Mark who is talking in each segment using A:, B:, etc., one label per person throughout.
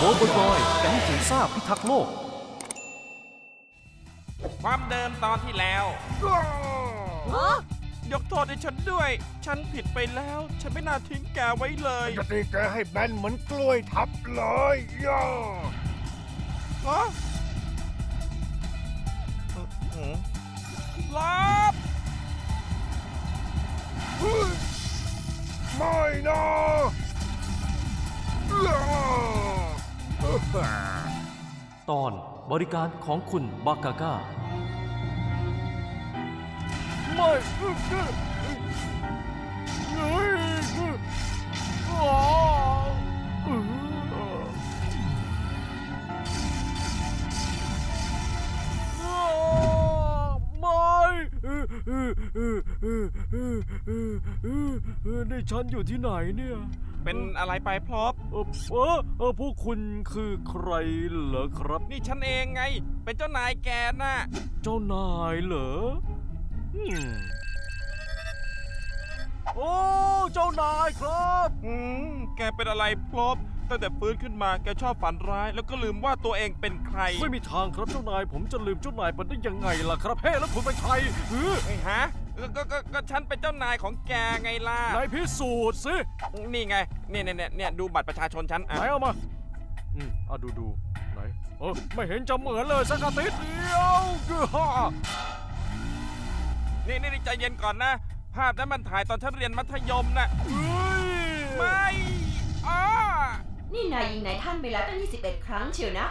A: โบบอยแก๊งจิ๋วซ่าพิทักษ์โลก
B: ความเดิมตอนที่แล้วยกโทษให้ฉันด้วยฉันผิดไปแล้วฉันไม่น่าทิ้งแกไว้เลย
C: จะตีแกให้แบนเหมือนกล้วยทับเลยย่า
B: ลบ
C: ไม่นะ
A: ตอนบริการของคุณบากาก้า
C: ไม่
D: นี่ฉันอยู่ที่ไหนเนี่ย
B: เป็นอะไรไปพลบ
D: พวกคุณคือใครเหรอครับ
B: นี่ฉันเองไงเป็นเจ้านายแกน่ะ
D: เจ้านายเหรอโอ้เจ้านายครับ
B: แกเป็นอะไรพลบตั้งแต่ฟื้นขึ้นมาแกชอบฝันร้ายแล้วก็ลืมว่าตัวเองเป็นใคร
D: ไม่มีทางครับเจ้านายผมจะลืมเจ้านายไปได้ยังไงล่ะครับเฮ้แล้วคุณเป็นใคร
B: ไอ้ฮะก็ฉันเป็นเจ้านายของแกไงล่ะ
D: นายพิสูจน์สิ
B: นี่ไงเนี่ยดูบัตรประชาชนฉัน
D: ไหนเอามาดูไหนไม่เห็นจะเหมือนเลยสักนิดเดียว
B: นี่ใจเย็นก่อนนะภาพนั้นมันถ่ายตอนฉันเรียนมัธยมน่ะไม่
E: นี่นายยิงนายท่านไปแล้วตั้ง21 ครั้งเชียวนะ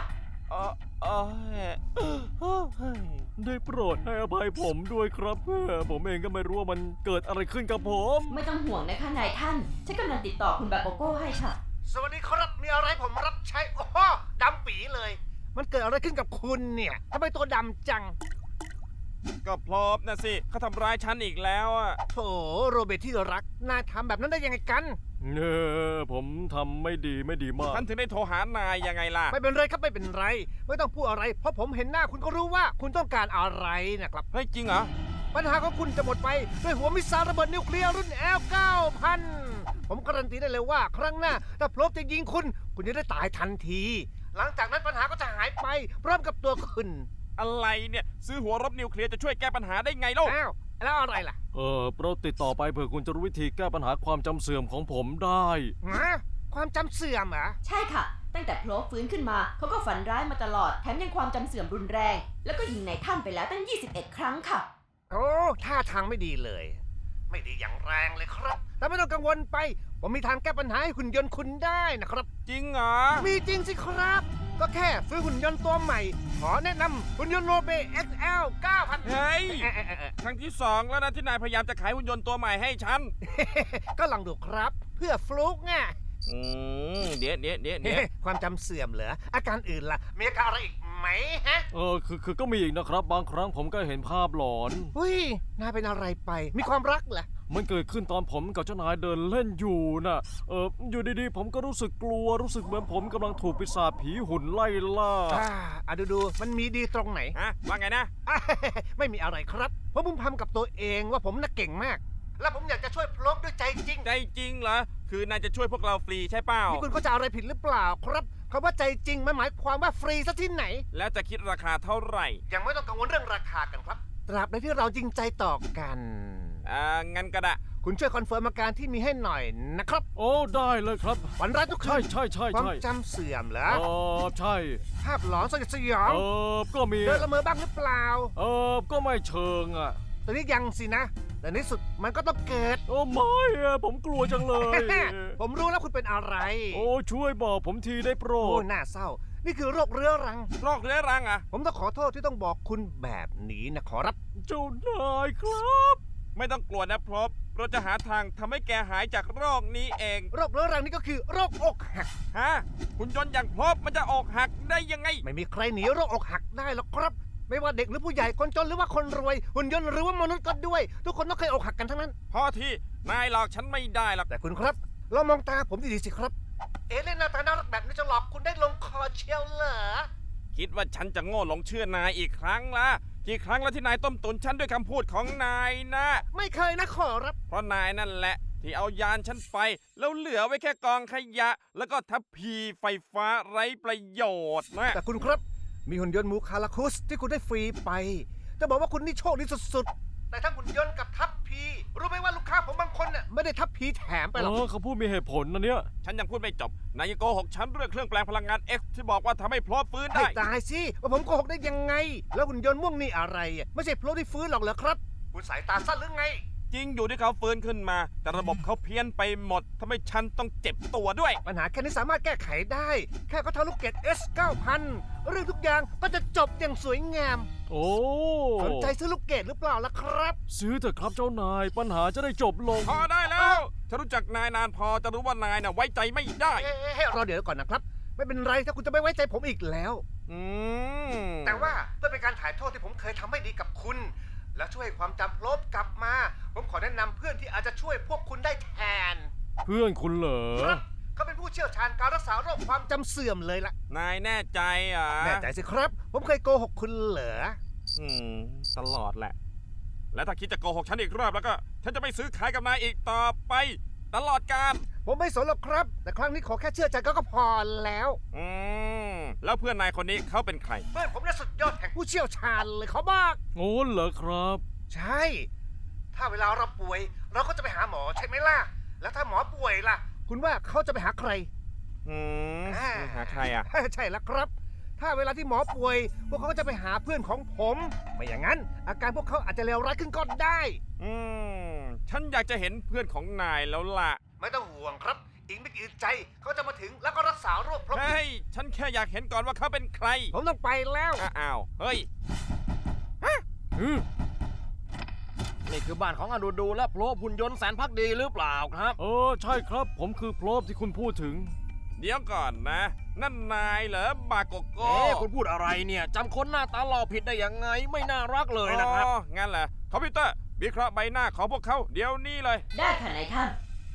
D: ได้โปรดให้อภัยผมด้วยครับผมเองก็ไม่รู้ว่ามันเกิดอะไรขึ้นกับผม
E: ไม่ต้องห่วงนะคะนายท่านฉันกำลังติดต่อคุณบาโกโก้ให้ค่ะ
C: สวัสดีครับมีอะไรผมรับใช้โอ้โหดำปีเลยมันเกิดอะไรขึ้นกับคุณเนี่ยทำไมตัวดำจัง
B: ก็พลบนะสิเขาทำร้ายฉันอีกแล้วอ่ะ
C: โถโรเบิร์ตที่รักนายทำแบบนั้นได้ยังไงกัน
D: ผมทำไม่ดีมาก
B: ฉันถึงได้โทรหานายยังไงล่ะ
C: ไม่เป็นไรครับไม่เป็นไรไม่ต้องพูดอะไรเพราะผมเห็นหน้าคุณก็รู้ว่าคุณต้องการอะไรนะครับ
B: เฮ้ยจริงเหรอ
C: ปัญหาของคุณจะหมดไปด้วยหัวมิสไซล์ระเบิดนิวเคลียร์รุ่น L9000 ผมการันตีได้เลยว่าครั้งหน้าถ้าพลบจะยิงคุณจะได้ตายทันทีหลังจากนั้นปัญหาก็จะหายไปพร้อมกับตัวคุณ
B: อะไรเนี่ยซื้อหัวรบนิวเคลียร์จะช่วยแก้ปัญหาได้ไงล่ะ
C: แล้วอะไรล่ะ
D: โปรดติดต่อไปเผื่อคุณจะรู้วิธีแก้ปัญหาความจำเสื่อมของผมได้
C: ความจำเสื่อมเหรอ
E: ใช่ค่ะตั้งแต่โผล่ฟื้นขึ้นมาเขาก็ฝันร้ายมาตลอดแถมยังความจำเสื่อมรุนแรงแล้วก็ยิงนายท่านไปแล้วตั้ง21 ครั้งค่ะ
C: โอ้ท่าทางไม่ดีเลยไม่ดีอย่างแรงเลยครับแต่ไม่ต้องกังวลไปผมมีทางแก้ปัญหาให้หุ่นยนต์คุณได้นะครับ
B: จริงเหรอ
C: มีจริงสิครับก็แค่ซื้อหุ่นยนต์ตัวใหม่ขอแนะนำหุ่นยนต์โรเบ XL 9000
B: เฮ้ยครั้งที่2แล้วนะที่นายพยายามจะขายหุ่นยนต์ตัวใหม่ให้ฉัน
C: ก็ลองดูครับเพื่อฟลุกไง
B: เดี๋ยว
C: ความจำเสื่อมเหรออาการอื่นล่ะมีอาการอะไรอีกไหมฮะ
D: คือก็มีอีกนะครับบางครั้งผมก็เห็นภาพหลอน
C: นายเป็นอะไรไปมีความรักเหรอ
D: มันเกิดขึ้นตอนผมกับเจ้านายเดินเล่นอยู่น่ะอยู่ดีๆผมก็รู้สึกกลัวรู้สึกเหมือนผมกำลังถูกปีศาจผีหุ่นไล่ล่า
C: ดูมันมีดีตรงไหน
B: ว่าไงนะ
C: ไม่มีอะไรครับเพราะผมทำกับตัวเองว่าผมน่ะเก่งมากแล้วผมอยากจะช่วยพลบด้วยใจจริง
B: ใจจริงเหรอคือนายจะช่วยพวกเราฟรีใช่เปล่า
C: นี่คุณก็จะอะไรผิดหรือเปล่าครับคำว่าใจจริงมันหมายความว่าฟรีซะที่ไหน
B: แล้วจะคิดราคาเท่าไหร่
C: ยังไม่ต้องกังวลเรื่องราคากันครับตราบใดที่เราจริงใจต่อกัน
B: งั้นก็ได้
C: คุณช่วยคอนเฟิร์มอาการที่มีให้หน่อยนะครับ
D: โอ้ได้เลยครับ
C: ฝันร้ายทุกคืน
D: ใช่
C: ความจำเสื่อมเหรอ
D: ใช่
C: ภาพหลอนสยอง
D: ก็มี
C: เดินละเมอบ้างหรือเปล่า
D: ก็ไม่เชิงอ่ะ
C: ตอนนี้ยังสินะแต่ในสุดมันก็ต้องเกิด
D: ไม่ผมกลัวจังเลย
C: ผมรู้แล้วคุณเป็นอะไร
D: ช่วยบอกผมทีได้โปรด
C: น่าเศร้านี่คือโรคเรื้อรัง
B: อ่ะ
C: ผมต้องขอโทษที่ต้องบอกคุณแบบนี้นะขอรับ
D: เจ้านายครับ
B: ไม่ต้องกลัวนะพลบเราจะหาทางทำให้แกหายจากโรคนี้เอง
C: โรคเรื้อรังนี่ก็คือโรคอกหัก
B: หุ่นยนต์อย่างพลบมันจะอกหักได้ยังไง
C: ไม่มีใครหนีโรคอกหักได้หรอกครับไม่ว่าเด็กหรือผู้ใหญ่คนจนหรือว่าคนรวยหุ่นยนต์หรือว่ามนุษย์ก็ด้วยทุกคนต้องเคยอกหักกันทั้งนั้น
B: พอที่นายหลอกฉันไม่ได้หรอก
C: แต่คุณครับลองมองตาผมดีๆสิครับเล่นหน้าตาน่ารักแบบนี้จะหลอกคุณได้ลงคอเชียวเหรอ
B: คิดว่าฉันจะโง่หลงเชื่อนายอีกครั้งละกี่ครั้งแล้วที่นายต้มตุ๋นฉันด้วยคำพูดของนายนะ
C: ไม่เคยนะขอรับ
B: เพราะนายนั่นแหละที่เอายานฉันไป แล้วเหลือไว้แค่กองขยะ แล้วก็ทัพพีไฟฟ้าไร้ประโยชน์นะ
C: แต่คุณครับ มีหุ่นยนต์หมูคาราคุสที่คุณได้ฟรีไป จะบอกว่าคุณนี่โชคดีสุดๆ แต่ถ้าหุ่นยนต์กับทัพพีรู้ไหมว่าลูกค้าผมบางคนน่ะไม่ได้ทัพพีแถมไปหรอก
D: เขาพูดมีเหตุผลนะเนี่ย
B: ฉันยังพูดไม่จบ นายยังโกหกฉันเรื่องเครื่องแปลงพลังงาน X ที่บอกว่าทำให้พลอฟื้น
C: ให้
B: ได้
C: ตายสิว่าผมโกหกได้ยังไง แล้วหุ่นยนต์ม่วงนี่อะไรอ่ะไม่ใช่โพลที่ฟื้นหรอกเหรอครับ คุณสายตาสั้นหรือไง
B: จริงอยู่ที่เขาฟื้นขึ้นมา แต่ระบบเขาเพี้ยนไปหมดทำให้ฉันต้องเจ็บตัวด้วย
C: ปัญหาแค่นี้สามารถแก้ไขได้ แค่เขาทำลูกเกด S 9000เรื่องทุกอย่างก็จะจบอย่างสวยงาม
D: โอ้
C: สนใจซื้อลูกเกดหรือเปล่าล่ะครับ
D: ซื้อเถอะครับเจ้านาย ปัญหาจะได้จบลง
B: พอได้แล้วฉันรู้จักนายนานพอจะรู้ว่านายน่ะไว้ใจไม่ได้
C: ให้รอเดี๋ยวก่อนนะครับ ไม่เป็นไรถ้าคุณจะไม่ไว้ใจผมอีกแล้ว
B: อืม
C: แต่ว่าเพื่อเป็นการถ่ายโทษที่ผมเคยทำไม่ดีกับคุณ และช่วยความจำลบกลับมา ผมขอแนะนำเพื่อนที่อาจจะช่วยพวกคุณได้แทน
D: เพื่อนคุณเหรอ
C: ครับเขาเป็นผู้เชี่ยวชาญการรักษาโรคความจำเสื่อมเลยล่ะ
B: นายแน่ใจอ่ะ
C: แน่ใจสิครับ ผมเคยโกหกคุณเหรอ
B: อืมตลอดแหละ และถ้าคิดจะโกหกฉันอีกรอบแล้วก็ ฉันจะไม่ซื้อขายกับนายอีกต่อไป ตลอดกาล
C: ผมไม่สนหรอกครับ แต่ครั้งนี้ขอแค่เชื่อใจก็พอแล้ว
B: อืมแล้วเพื่อนนายคนนี้เขาเป็นใคร
C: เพื่อนผมน่ะสุดยอดแห่งผู้เชี่ยวชาญเลยเขาบอก
D: โอ้เหรอครับ
C: ใช่ ถ้าเวลาเราป่วย เราก็จะไปหาหมอใช่ไหมล่ะ แล้วถ้าหมอป่วยล่ะ คุณว่าเขาจะไปหาใคร
B: อืมหาใครอ่ะ
C: ใช่แล้วครับ ถ้าเวลาที่หมอป่วย พวกเขาก็จะไปหาเพื่อนของผม ไม่อย่างนั้น อาการพวกเขาอาจจะเลวร้ายขึ้นก็ได้
B: อืมฉันอยากจะเห็นเพื่อนของนายแล้วล่ะ
C: ไม่ต้องห่วงครับ อีกไม่กี่อึดใจเขาจะมาถึงแล้วก็รักษาโรคพร้อม
B: เฮ้ย ฉันแค่อยากเห็นก่อนว่าเขาเป็นใคร
C: ผมต้องไปแล้ว
B: อ้าว เฮ้ย
F: นี่คือบ้านของอดูดูและโผล่หุ่นยนต์แสนพักดีหรือเปล่าครับ
D: ใช่ครับ ผมคือโพลบที่คุณพูดถึง
B: เดี๋ยวก่อนนะ นั่นนายเหรอบาโกโก้
F: คุณพูดอะไรเนี่ยจำคนหน้าตาหล่อผิดได้ยังไงไม่น่ารักเลยนะครับ
B: อ๋องั้นเหรอคอมพิวเตอร์วิเคราะห์ใบหน้าของพวกเขาเดี๋ยวนี้เลย
E: ได้ค่ะนายท่าน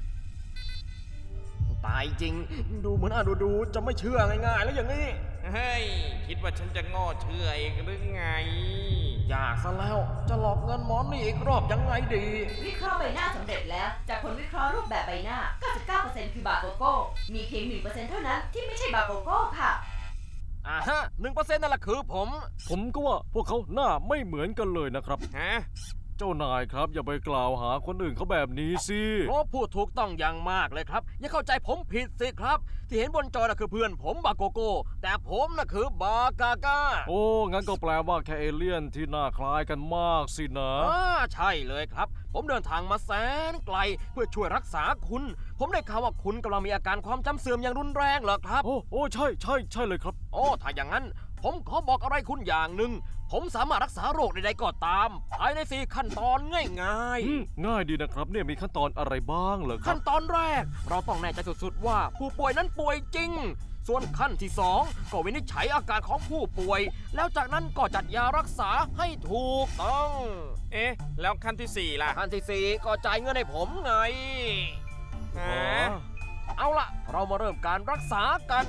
F: ตายจริง ดูเหมือนอดูดูจะไม่เชื่อง่ายๆแล้วอย่างนี้
B: เฮ้ย คิดว่าฉันจะโง่เชื่ออีกหรือไง
F: อยากซะแล้วจะหลอกเงินหมอนี่อีกรอบยังไงดี
E: วิเคราะห์ใบหน้าสำเร็จแล้ว จากผลวิเคราะห์รูปแบบใบหน้า 99%คือบาโกโก้ มีเพียง 1%เท่านั้นที่ไม่ใช่บาโกโก้ค่ะ
F: ฮะ1%นั่นแหละคือผม
D: ผมก็ว่าพวกเขาหน้าไม่เหมือนกันเลยนะครับ
B: ฮะ
D: เจ้านายครับ อย่าไปกล่าวหาคนอื่นเขาแบบนี้สิ
F: โอ้พูดถูกต้องอย่างมากเลยครับ อย่าเข้าใจผมผิดสิครับ ที่เห็นบนจอน่ะคือเพื่อนผมบาโกโก้ แต่ผมน่ะคือบากาก้า
D: โอ้ งั้นก็แปลว่าแค่เอเลี่ยนที่หน้าคล้ายกันมากสินะ
F: ใช่เลยครับ ผมเดินทางมาแสนไกลเพื่อช่วยรักษาคุณ ผมได้ข่าวว่าคุณกำลังมีอาการความจำเสื่อมอย่างรุนแรงเหรอครับ
D: โอ้ใช่เลยครับ
F: โอ้ถ้าอย่างนั้น ผมขอบอกอะไรคุณอย่างหนึ่ง ผมสามารถรักษาโรคใดๆก็ตาม ภายใน4ขั้นตอนง่าย
D: ง่ายดีนะครับ เนี่ยมีขั้นตอนอะไรบ้างเหรอ
F: ๆ
D: ครั
F: ขั้
D: บ
F: นตอนแรก เราต้องแน่ใจสุดๆว่าผู้ป่วยนั้นป่วยจริง ส่วนขั้นที่2ก็วินิจฉัยอาการของผู้ป่วย แล้วจากนั้นก็จัดยารักษาให้ถูกต้อง
B: เอ๊ะ แล้วขั้นที่ 4 ล่ะ
F: ขั้นที่4ก็จ่ายเงินให้ผมไง
B: ฮ
D: อ๋อ
B: ะ
F: เอาล่ะ เรามาเริ่มการรักษากัน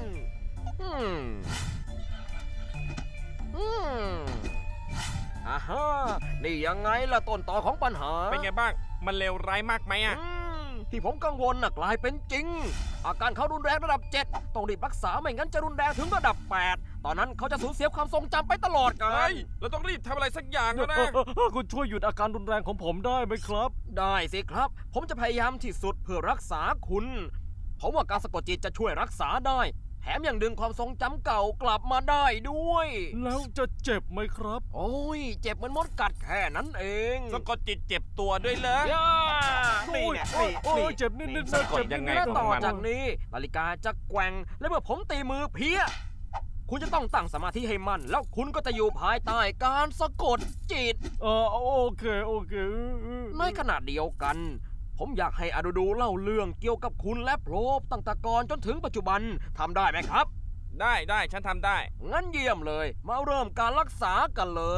F: อ่าฮะนี่ยังไงล่ะต้นตอของปัญหา
B: เป็นไงบ้าง มันเลวร้ายมากไหมอ่ะ
F: ที่ผมกังวลน่ะกลายเป็นจริง อาการเขารุนแรงระดับ 7 ต้องรีบรักษาไม่งั้นจะรุนแรงถึงระดับ 8 ตอนนั้นเขาจะสูญเสียความทรงจำไปตลอดกา
B: เฮ้
F: ล
B: ย เราต้องรีบทำอะไรสักอย่างแล้วนะ
D: คุณช่วยหยุดอาการรุนแรงของผมได้ไหมครับ
F: ได้สิครับ ผมจะพยายามที่สุดเพื่อรักษาคุณ ผมว่าการสะกดจิตจะช่วยรักษาได้ แถมยังดึงความทรงจำเก่ากลับมาได้ด้วย
D: แล้วจะเจ็บไหมครับ
F: โอ้ย เจ็บเหมือนมดกัดแค่นั้นเอง
B: สะกดจิตเจ็บตัวด้วยเหรอ
F: ย่า
B: นี่เนี่ย
D: โอ้ยเจ็บนิดๆ
B: สะ
D: นะ
B: กด
D: เจ็บ
B: ยังไง
F: และ
B: ของ
F: ต่อ
B: มัน
F: จากนี้นาฬิกาจะแกว่งและเมื่อผมตีมือเพี้ย คุณจะต้องตั้งสมาธิให้มั่น แล้วคุณก็จะอยู่ภายใต้การสะกดจิต
D: โอเค
F: ในขณะเดียวกัน ผมอยากให้อดูดูเล่าเรื่องเกี่ยวกับคุณและโพลบตั้งแต่ก่อนจนถึงปัจจุบันทำได้ไหมครับ
B: ได้ฉันทำได้
F: งั้นเยี่ยมเลย มาเริ่มการรักษากันเลย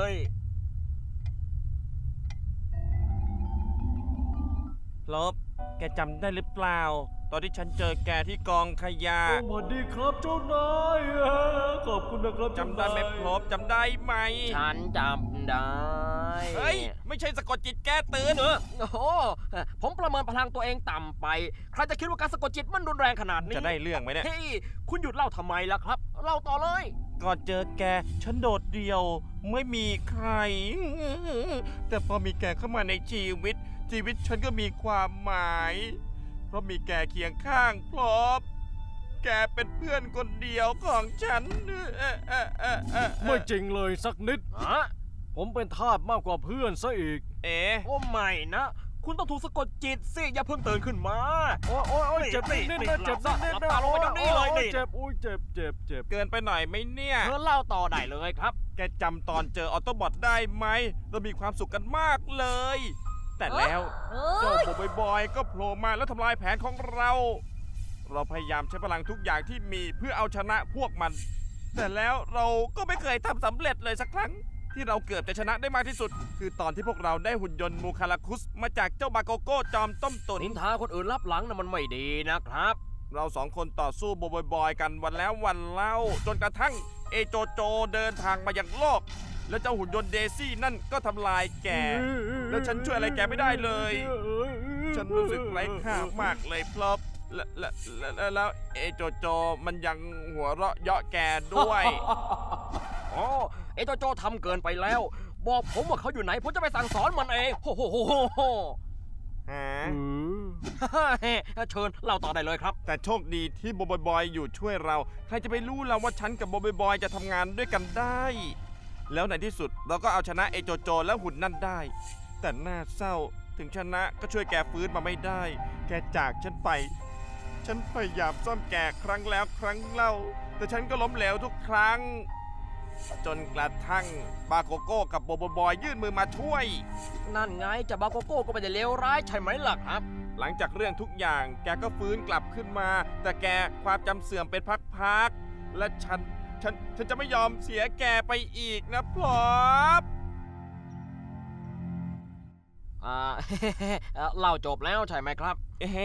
B: ลบ แกจำได้หรือเปล่า ตอนที่ฉันเจอแกที่กองขยะ
D: สวัสดีครับเจ้านาย
A: ขอบคุณนะครับ
B: จำได้ไหมพลบจำได้ไหม
F: ฉันจำได้
B: เฮ้ย ไม่ใช่สะกดจิตแก้ตื่น
F: โอ้โหผมประเมินพลังตัวเองต่ำไป ใครจะคิดว่าการสะกดจิตมันรุนแรงขนาดนี้
B: จะได้เรื่องไหมเนี่ย
F: เฮ้ยคุณหยุดเล่าทำไมล่ะครับ เล่าต่อเลย
B: ก่อนเจอแกฉันโดดเดี่ยว ไม่มีใคร แต่พอมีแกเข้ามาในชีวิตฉันก็มีความหมาย เพราะมีแกเคียงข้างพลบแกเป็นเพื่อนคนเดียวของฉัน
D: ไม่จริงเลยสักนิด
F: ฮะ
D: ผมเป็นทาสมากกว่าเพื่อนซะอีก
B: เอ๊ะ
F: โอ้ไม่นะ คุณต้องถูกสะกดจิตสิอย่าเพิ่งตื่นขึ้นมา
D: โอ้ยเจ็บนิดนะเจ็บนิด
F: หลับตาลงไปเดี๋ยวนี้เลยนี่
D: เจ็บอุ้ยเจ็บ
B: เกินไปหน่อยไหมเนี่ย
F: เธอเล่าต่อได้เลยครับ
B: แกจำตอนเจอออโตบอทได้ไหม เรามีความสุขกันมากเลย แต่แล้วเจ้าบอยก็โผล่มาแล้วทำลายแผนของเรา เราพยายามใช้พลังทุกอย่างที่มีเพื่อเอาชนะพวกมัน แต่แล้วเราก็ไม่เคยทำสำเร็จเลยสักครั้ง ที่เราเกือบจะชนะได้มากที่สุด คือตอนที่พวกเราได้หุ่นยนต์มูคาราคุสมาจากเจ้าบาโกโก้จอมต้มตุ๋น
F: นินทาคนอื่นรับหลังนะมันไม่ดีนะครับ
B: เราสองคนต่อสู้บอยกันวันแล้ววันเล่า จนกระทั่งเอโจโจเดินทางมายังโลก แล้วเจ้าหุ่นยนต์เดซี่นั่นก็ทำลายแก แล้วฉันช่วยอะไรแกไม่ได้เลย ฉันรู้สึกไร้ค่ามากเลยพลบแล้วเอโจโจมันยังหัวเราะเยาะแกด้วย
F: อ๋อเอโจโจทำเกินไปแล้ว บอกผมว่าเขาอยู่ไหน ผมจะไปสั่งสอนมันเองโอ้โห
B: ฮะ
F: เชิญเล่าต่อได้เลยครับ
B: แต่โชคดีที่บอยอยู่ช่วยเรา ใครจะไปรู้เราว่าฉันกับบอยจะทำงานด้วยกันได้ แล้วในที่สุดเราก็เอาชนะเอโจโจและหุ่นนั่นได้ แต่น่าเศร้าถึงชนะก็ช่วยแกฟื้นมาไม่ได้ แกจากฉันไป ฉันพยายามซ่อมแกครั้งแล้วครั้งเล่า แต่ฉันก็ล้มเหลวทุกครั้ง จนกระทั่งบาโกโก้กับบอยยื่นมือมาช่วย
F: นั่นไงจะบาโกโก้ก็ไม่ได้เลวร้ายใช่ไหมล่ะครับ
B: หลังจากเรื่องทุกอย่างแกก็ฟื้นกลับขึ้นมา แต่แกความจำเสื่อมเป็นพักๆและฉันจะไม่ยอมเสียแกไปอีกนะพลบ
F: เล่าจบแล้วใช่ไหมครับ
B: เฮ้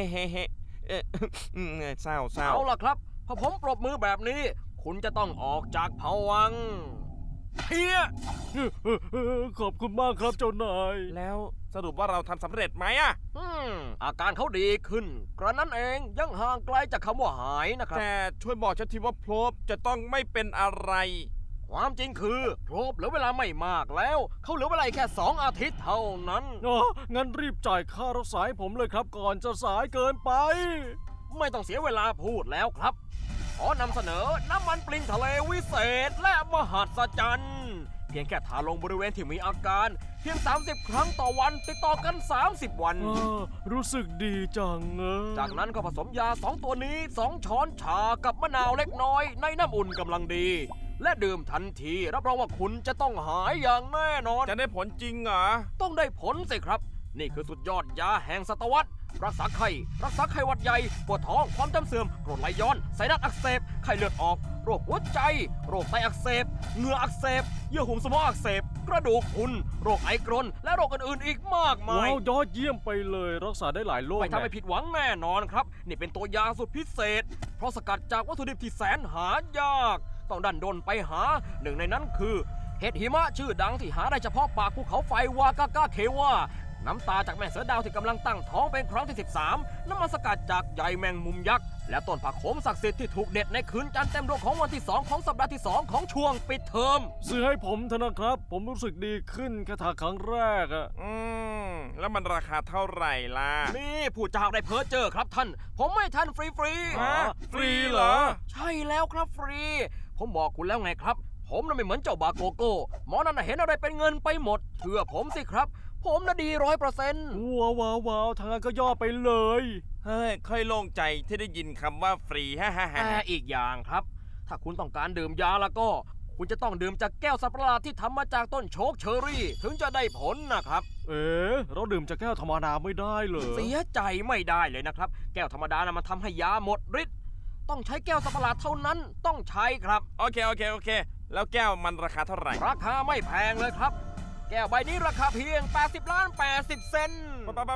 B: เศร้า
F: เอาล่ะครับ พอผมปรบมือแบบนี้ คุณจะต้องออกจากภวังค์เฮีย
D: ขอบคุณมากครับเจ้านาย
B: แล้วสรุปว่าเราทำสำเร็จไหมอะ
F: อาการเขาดีขึ้น กระนั้นเองยังห่างไกลจากคำว่าหายนะครับ
B: แต่ช่วยบอกฉันทีว่าพลบจะต้องไม่เป็นอะไร
F: ความจริงคือโพรบเหลือเวลาไม่มากแล้ว เขาเหลือเวลาแค่2 อาทิตย์เท่านั้น
D: งั้นรีบจ่ายค่ารักษาให้ผมเลยครับก่อนจะสายเกินไป
F: ไม่ต้องเสียเวลาพูดแล้วครับ ขอนำเสนอน้ำมันปลิงทะเลวิเศษและมหัศจรรย์เพียงแค่ทาลงบริเวณที่มีอาการ เพียง 30 ครั้งต่อวันติดต่อกัน 30 วัน
D: รู้สึกดีจัง
F: จากนั้นก็ผสมยา 2 ตัวนี้ 2 ช้อนชากับมะนาวเล็กน้อยในน้ำอุ่นกำลังดี และดื่มทันทีรับรองว่าคุณจะต้องหายอย่างแน่นอน
B: จะได้ผลจริงเหรอ
F: ต้องได้ผลสิครับ นี่คือสุดยอดยาแห่งศตวรรษรักษาไข้หวัดใหญ่ปวดท้องความจำเสื่อมกรดไหลย้อนไซนัสอักเสบไข้เลือดออกโรคหัวใจ โรคไตอักเสบเหงื่ออักเสบเยื่อหุ้มสมองอักเสบกระดูกพรุนโรคไอกรนและโรคอื่นๆอีกมากมาย
D: ว้าวยอดเยี่ยมไปเลยรักษาได้หลายโรค
F: ไม่ทำให้ผิดหวังแน่นอนครับ นี่เป็นตัวยาสุดพิเศษ เพราะสกัดจากวัตถุดิบที่แสนหายาก ต้องดันดนไปหาหนึ่งในนั้นคือเห็ดหิมะชื่อดังที่หาได้เฉพาะปากภูเขาไฟวากาก้าเควาน้ำตาจากแม่เสือดาวที่กำลังตั้งท้องเป็นครั้งที่ 13 น้ำมันสกัดจากใยแมงมุมยักษ์และต้นผักโขมศักดิ์สิทธิ์ที่ถูกเด็ดในคืนจันทร์เต็มดวงของวันที่ 2 ของสัปดาห์ที่ 2 ของช่วงปิดเทอม
D: ซื้อให้ผมเถอะนะครับ ผมรู้สึกดีขึ้นแค่ทาครั้งแรกอะ
B: แล้วมันราคาเท่าไหร่ล่ะ
F: นี่ผู้จ้าได้เพ้อเจอครับท่าน ผมไม่ท่านฟรีๆ
B: ฮะฟรีเหรอ
F: ใช่แล้วครับฟรี ผมบอกคุณแล้วไงครับ ผมน่ะไม่เหมือนเจ้าบาโกโก้หมอนั่นน่ะเห็นอะไรเป็นเงินไปหมดเชื่อผมสิครับ ผมน่ะดี100%
D: ว้าวทางนั้นก็ย่อไปเลย
B: เฮ้ย ค่อยโล่งใจที่ได้ยินคำว่าฟรีฮ่าฮ่าฮ่า
F: แต่อีกอย่างครับ ถ้าคุณต้องการดื่มยาแล้วก็ คุณจะต้องดื่มจากแก้วสัตว์ประหลาดที่ทำมาจากต้นโชคเชอรี่ ถึงจะได้ผลนะครับ
D: เราดื่มจากแก้วธรรมดาไม่ได้เลย
F: เสียใจไม่ได้เลยนะครับ แก้วธรรมดานะมันทำให้ยาหมดฤทธิ์ต้องใช้แก้วสัตว์ประหลาดเท่านั้นต้องใช้ครับ
B: โอเค แล้วแก้วมันราคาเท่าไหร่
F: ราคาไม่แพงเลยครับ แก้วใบนี้ราคาเพียง 80 เซนต์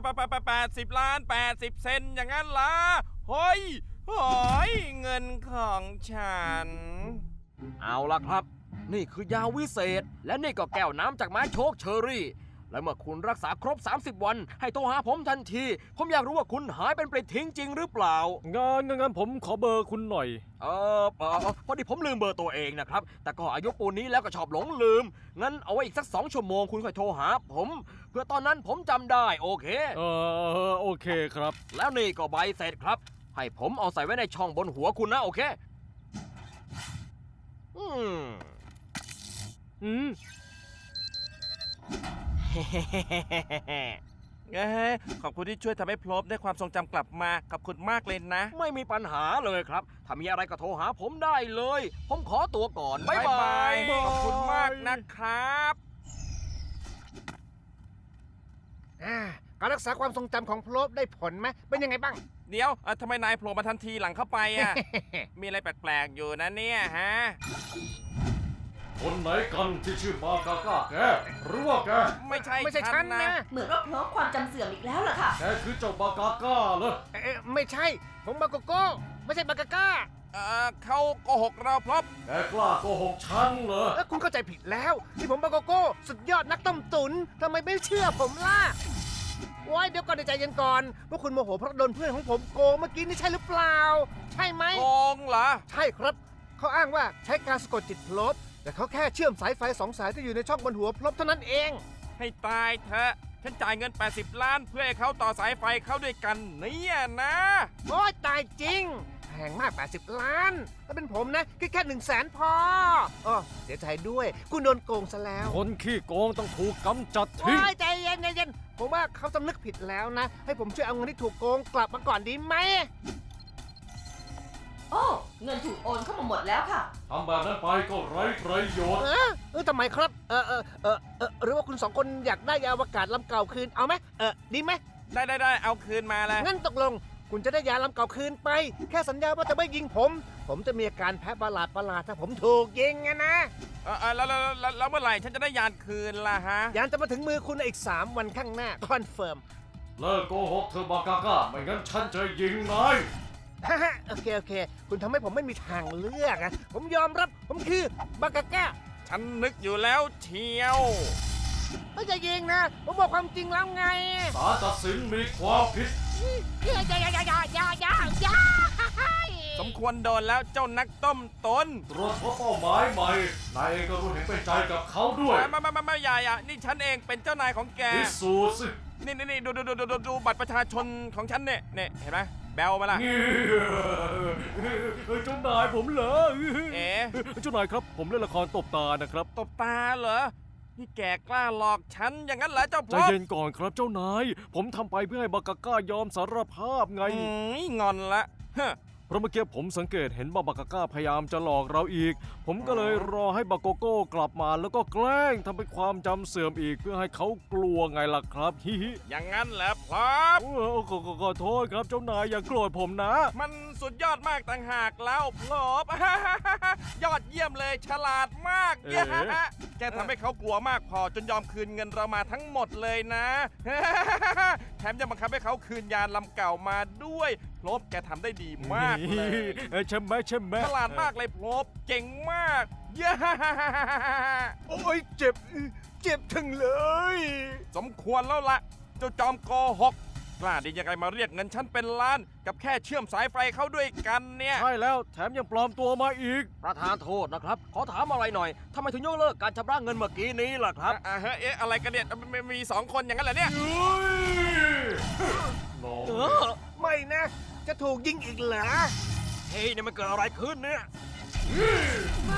B: 80 ล้าน 80 เซนต์อย่างนั้นล่ะเฮ้ยเงินของฉัน
F: เอาล่ะครับ นี่คือยาวิเศษ และนี่ก็แก้วน้ำจากไม้โชคเชอรี่ และเมื่อคุณรักษาครบ 30 วัน ให้โทรหาผมทันที ผมอยากรู้ว่าคุณหายเป็นปลิดทิ้งจริงหรือเปล่า
D: งั้นผมขอเบอร์คุณหน่อย
F: พอดีผมลืมเบอร์ตัวเองนะครับ แต่ก็อายุปูนนี้แล้วก็ชอบหลงลืม งั้นเอาไว้อีกสัก 2 ชั่วโมงคุณค่อยโทรหาผม เพื่อตอนนั้นผมจำได้โอเค
D: โอเคครับ
F: แล้วนี่ก็ใบเสร็จครับ ให้ผมเอาใส่ไว้ในช่องบนหัวคุณนะโอเค
D: อืม
B: ขอบคุณที่ช่วยทำให้พลบได้ความทรงจำกลับมา ขอบคุณมากเลยนะ
F: ไม่มีปัญหาเลยครับ ถ้ามีอะไรก็โทรหาผมได้เลย ผมขอตัวก่อน บ๊ายบาย
B: ขอบคุณมากนะครับ
C: การรักษาความทรงจำของพลบได้ผลไหมเป็นยังไงบ้าง
B: เดี๋ยวทำไมนายโผล่มาทันทีหลังเข้าไปอ่ะ มีอะไรแปลกๆอยู่นะเนี่ยฮะ
D: คนไหนกันที่ชื่อบากาก้าแกหรือว่าแก
B: ไม่ใช่
C: ไม่ใช่ฉันนะ
E: เหมือนว่าพลบความจำเสื่อมอีกแล้วล่ะค่ะ
D: แกคือเจ้าบากาก้าเหรอ
C: ไม่ใช่ ผมบาโกโก้ ไม่ใช่บากาก้า
B: เขาโกหกเราพลบ
D: แกกล้าโกหกฉันเหรอ
C: คุณเข้าใจผิดแล้วที่ผมบาโกโก้ สุดยอดนักต้มตุ๋นทำไมไม่เชื่อผมล่ะโอ้ยเดี๋ยวก่อนใจเย็นก่อนว่าคุณโมโหเพราะโดนเพื่อนของผมโกงเมื่อกี้นี่ใช่หรือเปล่า ใช่ไหม
B: โกงเหรอ
C: ใช่ครับ เขาอ้างว่าใช้การสะกดจิตพลบ แต่เขาแค่เชื่อมสายไฟ2 สายที่อยู่ในช่องบนหัวพลบเท่านั้นเอง
B: ให้ตายเถอะ ฉันจ่ายเงิน 80 ล้านเพื่อให้เขาต่อสายไฟเข้าด้วยกันเนี่ยนะ
C: โอ้ยตายจริง แพงมาก 80 ล้าน ถ้าเป็นผมนะแค่100,000 พออ๋อเสียใจด้วย คุณโดนโกงซะแล้ว
D: คนขี้โกงต้องถูกกำจัด
C: โอ้
D: ทิ้ง
C: ยใจเย็นใจเย็นผมว่าเขาสำนึกผิดแล้วนะ ให้ผมช่วยเอาเงินที่ถูกโกงกลับมาก่อนดีไหม
E: โอ้ เงินถูกโอนเข้ามาหมดแล้วค่ะ
D: ทำแบบนั้นไปก็ไร้ประโยชน์
C: ทำไมครับ หรือว่าคุณ2 คนอยากได้ยานอวกาศลำเก่าคืน เอาไหมดีไหม
B: ได้เอาคืนมาเลย
C: งั้นตกลง คุณจะได้ยานลำเก่าคืนไป แค่สัญญาว่าจะไม่ยิงผม ผมจะมีอาการแพ้ประหลาดถ้าผมถูกยิงนะ
B: แล้วเมื่อไหร่ฉันจะได้ยานคืนล่ะฮะ
C: ยานจะมาถึงมือคุณในอีก 3 วันข้างหน้า คอนเฟิร์ม
D: เลิกโกหกเธอบากาก้า ไม่งั้นฉันจะยิงนาย
C: โอเค คุณทำให้ผมไม่มีทางเลือกนะผมยอมรับ ผมคือบากาก้า
B: ฉันนึกอยู่แล้วเชียว
C: ไม่จะยิงนะ ผมบอกความจริงแล้วไง
D: ศาลตัดสินมีความผิด
C: อย่า
B: สมควรโดนแล้วเจ้านักต้มตุน
D: ตรวจพบเป้าหมายใหม่ นายเองก็รู้เห็นเป็นใจกับเขาด้วย
B: ไม่อย่านี่ฉันเองเป็นเจ้านายของแก
D: พิสูจน์สิ
B: นี่ดูบัตรประชาชนของฉันเนี่ยเห็นไหมแบลมาล่ะ
D: เจ้านายผมเหรอ
B: เอ๋
D: เจ้านายครับ ผมเล่นละครตบตานะครับ
B: ตบตาเหรอ นี่แกกล้าหลอกฉันอย่างนั้นเหรอเจ้า
D: ใจ
B: พ่อ
D: เย็นก่อนครับเจ้านาย ผมทำไปเพื่อให้บากาก้ายอมสารภาพไง
B: งอนละฮะ
D: เพราะเมื่อกี้ผมสังเกตเห็นว่าบากาก้าพยายามจะหลอกเราอีก ผมก็เลยรอให้บาโกโก้กลับมาแล้วก็แกล้งทำเป็นความจำเสื่อมอีกเพื่อให้เขากลัวไงล่ะครับ ฮิฮิ
B: อย่างนั้นเหรอครับ
D: ขอโทษครับเจ้านายอย่าโกรธผมนะ
B: มันสุดยอดมากต่างหากแล้วพลบ ยอดเยี่ยมเลยฉลาดมาก
D: เอ๊ะ
B: แกทำให้เขากลัวมากพอจนยอมคืนเงินเรามาทั้งหมดเลยนะ แถมยังบังคับให้เขาคืนยานลำเก่ามาด้วยพลบแกทำได้ดีมากเลย
D: ใช่ไหม
B: ฉลาดมากเลยพลบเก่งมาก เย้
C: โอ้ยเจ็บถึงเลย
B: สมควรแล้วละเจ้าจอมโกหกกล้าได้ยังไงมาเรียกเงินฉันเป็นล้าน กับแค่เชื่อมสายไฟเข้าด้วยกันเนี่ย
D: ใช่แล้วแถมยังปลอมตัวมาอีก
F: ประธานโทษนะครับ ขอถามอะไรหน่อยทำไมถึงยกเลิกการชำระเงินเมื่อกี้นี้ล่ะครับ
B: เฮ้ยอะไรกันเนี่ยมี2 คนอย่างนั้นเหรอเนี่ย
D: น้อง
C: ไม่นะ จะถูกยิงอีกเหรอ
F: เฮ้ยนี่มันเกิดอะไรขึ้นเนี่ย
D: น